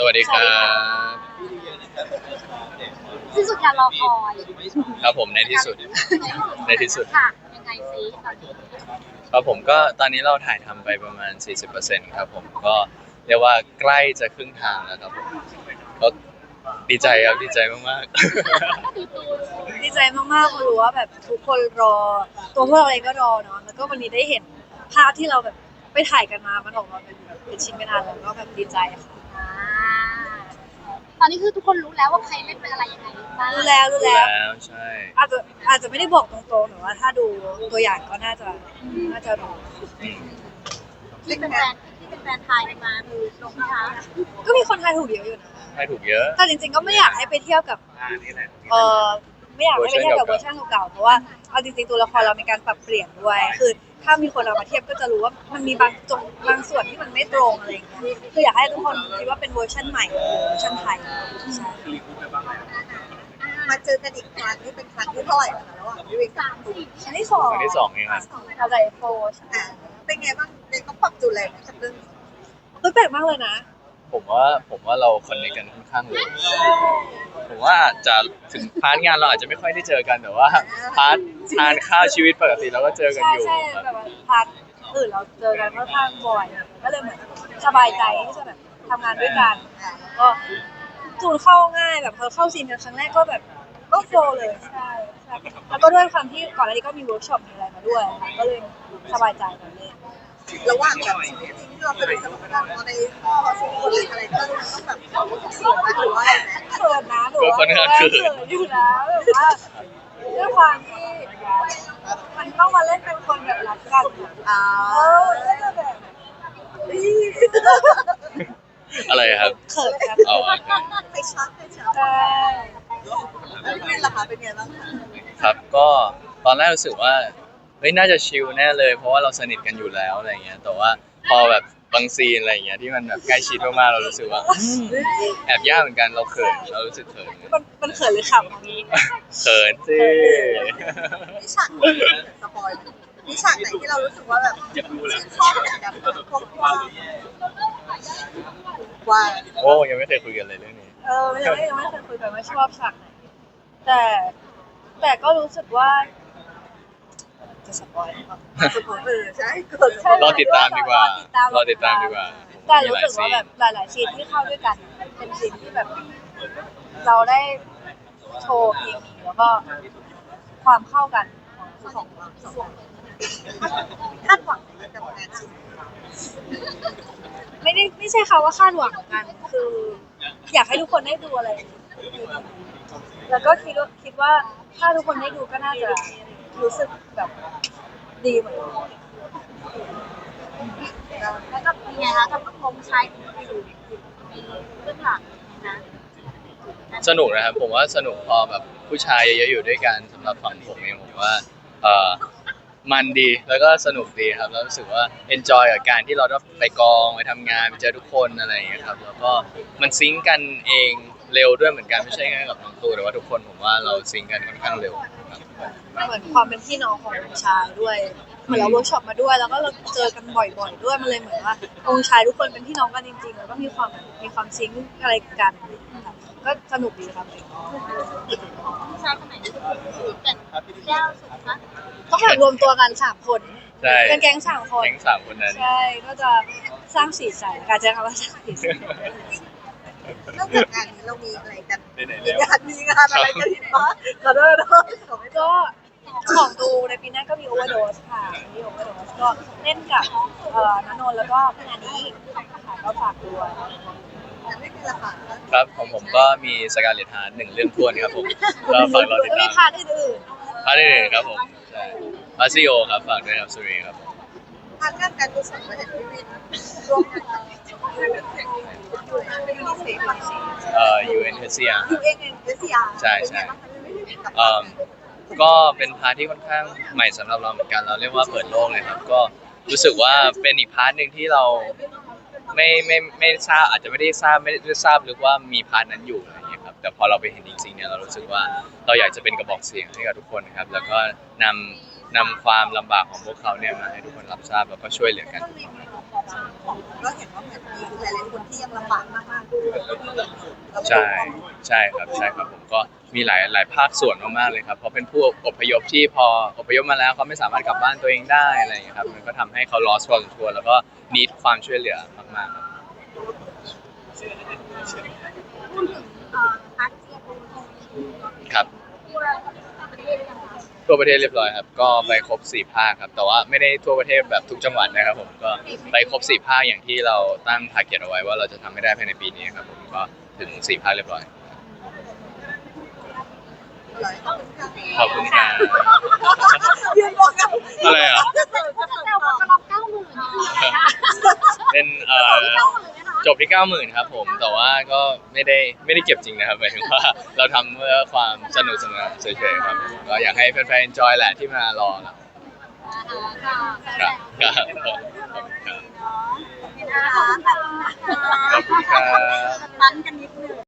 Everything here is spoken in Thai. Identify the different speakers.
Speaker 1: วัสดีครับ
Speaker 2: ที่สุดการรอคอย
Speaker 1: ครับผมในที่สุดในที่สุด
Speaker 2: ค่ะยังไงซิตอนนี้
Speaker 1: ครับผมก็ตอนนี้เราถ่ายทำไปประมาณ 40%ครับผมก็เรียกว่าใกล้จะครึ่งทางแล้วครับผมก็ดีใจครับดีใจมาก
Speaker 3: ดีใจมากๆเพราะรู้ว่าแบบทุกคนรอตัวพวกเราเองก็รอเนาะแล้วก็วันนี้ได้เห็นภาพที่เราแบบไปถ่ายกันมามันออกมาเป็นแบบเป็นชิ้นเป็นอันแล้วก็แบบดีใจค่ะ
Speaker 2: อ่าตอนนี้คือทุกคนรู้แล้วว่าใครเล่นเป็นอะไรยังไงบ้าง
Speaker 3: รู้แล้ว
Speaker 1: ๆ
Speaker 3: รู้
Speaker 1: รู้
Speaker 3: แล้ว
Speaker 1: แล้วใช่
Speaker 3: อาจจะไม่ได้บอกตรงๆแต่ว่าถ้าดูตัวอย่างก็น่าจะรู้
Speaker 1: อืม
Speaker 2: ที่เป็นแฟนไทยมาคือลงนะคะ
Speaker 3: ก็มีคนทายถูกเยอะอยู่นะ
Speaker 1: ให้ถูกเยอะ
Speaker 3: แต่จริงๆก็ไม่อยากให้ไปเทียบกับเออไม่อยากให้ไปเทียบกับเวอร์ชันเก่าๆเพราะว่าเอาจริงๆตัวละครเรามีการปรับเปลี่ยนด้วยคือถ้ามีคนเอามาเทียบก็จะรู้ว่ามันมีบางส่วนที่มันไม่ตรงอะไรอย่างเงี้ยคืออยากให้ทุกคนคิดว่าเป็นเวอร์ชันใหม่เวอร์ชันไทยใช่
Speaker 4: มาเจอกันอีกครั้งนี่เป็นครั้งที่เท่าไหร่แล้วคะระหว่างพี่วิกกับตูน
Speaker 3: ครั้งที่สอง
Speaker 1: ครั้งที่สองเองครับ
Speaker 3: เราจะโฟใช่
Speaker 4: อ่าเป็นไงบ้างเด็กก็ปรับจูนแรงกับเรื่องนี้
Speaker 3: แปลกมากเลยนะ
Speaker 1: ผมว่าเราคอนเนคกันค่อนข้างเลยผมว่าอาจจะถึงพาร์ทงานเราอาจจะไม่ค่อยได้เจอกันแต่ว่าพาร์ททานข้าวชีวิตปกติเราก็เจอกันอยู่
Speaker 3: ใช่
Speaker 1: ครับ
Speaker 3: แบบว่าพาร์ทอื่นเราเจอกันค่อนข้างบ่อยก็เลยเหมือนสบายใจที่จะแบบทำงานด้วยกันแล้วก็จูนเข้าง่ายแบบพอเข้าซีนกันครั้งแรกก็แบบก็โฟลว์เลยใช่แล้วก็ด้วยความที่ก่อนหน้านี้ก็มีเวิร์กช็อปมีอะไรมาด้วยค่ะก็เลยสบายใจแบบนี้
Speaker 4: ระหว่างแบบชีวิตจริงที่เราเคยมีประสบการณ์พอในข้อสมควรอะไรก็ต้องแบบเสียมาหรือว่าอะไรไหม
Speaker 3: เขินนะหนูว่าเขินอยู่นะแบบว่าด้วยความที่มันต้องมาเล่นเป็นคนแบบรักกันก็จะแบบ
Speaker 1: อะไรครับ
Speaker 3: เขินครับ
Speaker 1: อ๋อ
Speaker 4: ไปชัก
Speaker 3: ใช่
Speaker 4: แล้วพี่วินล่ะคะเป็นไงบ้างคะ
Speaker 1: ครับก็ตอนแรกรู้สึกว่าเฮ้ยน่าจะชิลแน่เลยเพราะว่าเราสนิทกันอยู่แล้วอะไรเงี้ยแต่ว่าพอแบบบางซีนอะไรเงี้ยที่มันแบบใกล้ชิดมากๆเรารู้สึกว่าแอบยากเหมือนกันเราเขินเรารู้สึกเขิน
Speaker 3: มันเขินหรือขำของนี้
Speaker 1: เขินสิ
Speaker 4: มีฉากไหนสปอยล์มีฉากไหนที่เรารู้สึกว่าแบบชื่นชอบเหมือนกันเพราะว่า
Speaker 1: โอ้ยังไม่เคยคุยกันเลยเรื่องนี้
Speaker 3: ยังไม่เคยคุยกันว่าชอบฉากไหนแต่แต่ก็รู้สึกว่าจะสปอยล์หรือเปล่า
Speaker 4: ใช่
Speaker 1: รอติดตามดีกว่ารอติดตามดีกว่า
Speaker 3: แต่รู้สึกว่าแบบหลายๆซีนที่เข้าด้วยกันเป็นซีนที่แบบเราได้โชว์เคมีแล้วก็ความเข้ากันของเรา
Speaker 4: คาดหวังในการทำงานชิ้น
Speaker 3: ไม่ใช่ค่ะว่าคาดหวังกันคืออยากให้ทุกคนได้ดูอะไรแล้วก็คิดว่าถ้าทุกคนได้ดูก็น่าจะรู้สึกแบบดีเหมือนกัน
Speaker 2: แล้วก็เป็นไงคะกับพงษ์ชัยอยู่เบื้องหลังนะ
Speaker 1: สนุกนะครับผมว่าสนุกพอแบบผู้ชายเยอะๆอยู่ด้วยกันสำหรับฝั่งผมเองผมว่าเออมันดีแล้วก็สนุกดีครับแล้วรู้สึกว่า enjoy กับการที่เราได้ไปกองไปทำงานไปเจอทุกคนอะไรอย่างเงี้ยครับแล้วก็มันซิงก์กันเองเร็วด้วยเหมือนกันไม่ใช่แค่กับน้องตูแต่ว่าทุกคนผมว่าเราซิงก์กันค่อนข้างเร็วครับ
Speaker 3: เหมือนความเป็นพี่น้องขององค์ชายด้วยเหมือนเราเวิร์กช็อปมาด้วยแล้วก็เราเจอกันบ่อยๆด้วยมันเลยเหมือนว่าองค์ชายทุกคนเป็นพี่น้องกันจริงๆแล้วก็มีความซิงค์อะไรกันก็สนุกดีครับ
Speaker 2: ผู้ชายคนไหนที่คือเป็นแก้วสุดนะ
Speaker 3: ต้องแบบรวมตัวกัน3 คน
Speaker 1: ใช่
Speaker 3: เป็นแก๊ง3 คน
Speaker 1: แก๊ง3 คนนั้น
Speaker 3: ใช่ก็จะสร้างสีสันการใช้คำว่าสร้างสีสัน
Speaker 4: นอกจากงานนี้เรามีอะไรกันมีงานอะไรกันที่บ้านขอโทษ
Speaker 3: ก็ของดูในปีหน้าก็มีโอเวอร์โดสค่ะมีโอเวอร์โดสก็เล่นกับณนนท์แล้วก็พี่นานี้ค่ะก็ฝากด้วย
Speaker 1: ครับของผมก็มีสกาเลตฮาร์1 เรื่องท้วนครับผมก็ฝากรอติดตาม
Speaker 3: มีพาร์ทอื่น
Speaker 1: ครับผมใช่พาซิโอครับฝากด้วยครับสุรีครับ
Speaker 4: ทางการกุศลมาเห็นพี่วินร่วมงานกับยูนิเซฟ
Speaker 1: UNHCR ใช่ใช่
Speaker 4: กับ
Speaker 1: ก็เป็นพาร์ทที่ค่อนข้างใหม่สำหรับเราเหมือนกันเราเรียกว่าเปิดโลกเลยครับก็รู้สึกว่าเป็นอีกพาร์ทหนึ่งที่เราไม่ทราบอาจจะไม่ได้ทราบลึกว่ามีพาร์ทนั้นอยู่อะไรอย่างเงี้ยครับแต่พอเราไปเห็นจริงๆเนี่ยเรารู้สึกว่าเราอยากจะเป็นกระบอกเสียงให้กับทุกคนนะครับแล้วก็นำความลำบากของพวกเขาเนี่ยมาให้ทุกคนรับทราบแล้วก็ช่วยเหลือกัน
Speaker 4: ก็เห็นว่าเหมือนมีหลายๆคนที่ยังลำบากมากๆ
Speaker 1: ใช่ใช่ครับใช่ครับผมก็มีหลายภาคส่วนมากๆเลยครับเพราะเป็นผู้อพยพที่พออพยพมาแล้วเขาไม่สามารถกลับบ้านตัวเองได้อะไรอย่างเงี้ยครับมันก็ทำให้เขา lost พอสมควรแล้วก็ need ความช่วยเหลือมากๆครับ
Speaker 2: พูดถึงพาร์ทที่คุณ
Speaker 1: ครับ
Speaker 2: ทั่วประเทศยังไง
Speaker 1: ทั่วประเทศเรียบร้อยครับก็ไปครบ4ภาคครับแต่ว่าไม่ได้ทั่วประเทศแบบทุกจังหวัดนะครับผมก็ไปครบ4ภาคอย่างที่เราตั้ง target เอาไว้ว่าเราจะทำให้ได้ภายในปีนี้ครับผมก็ถึง4ภาคเรียบร้อยขอบคุณครับ
Speaker 4: ยืนบอกกัน
Speaker 1: อะไรอ่ะ
Speaker 2: จะเซลล์กระลอก90,000นี่คืออะไรนะ
Speaker 1: เป็น
Speaker 2: 90,000
Speaker 1: จบที่90,000ครับผมแต่ว่าก็ไม่ได้เก็บจริงนะครับหมายถึงว่าเราทำเพื่อความสนุกสนานเฉยๆครับก็อยากให้แฟนๆ enjoy แหละที่มารอครับครับขอบคุณครับ
Speaker 2: ขอบคุณค่ะ
Speaker 1: ขอบคุณครับ
Speaker 2: ตั้นกันนิดนึง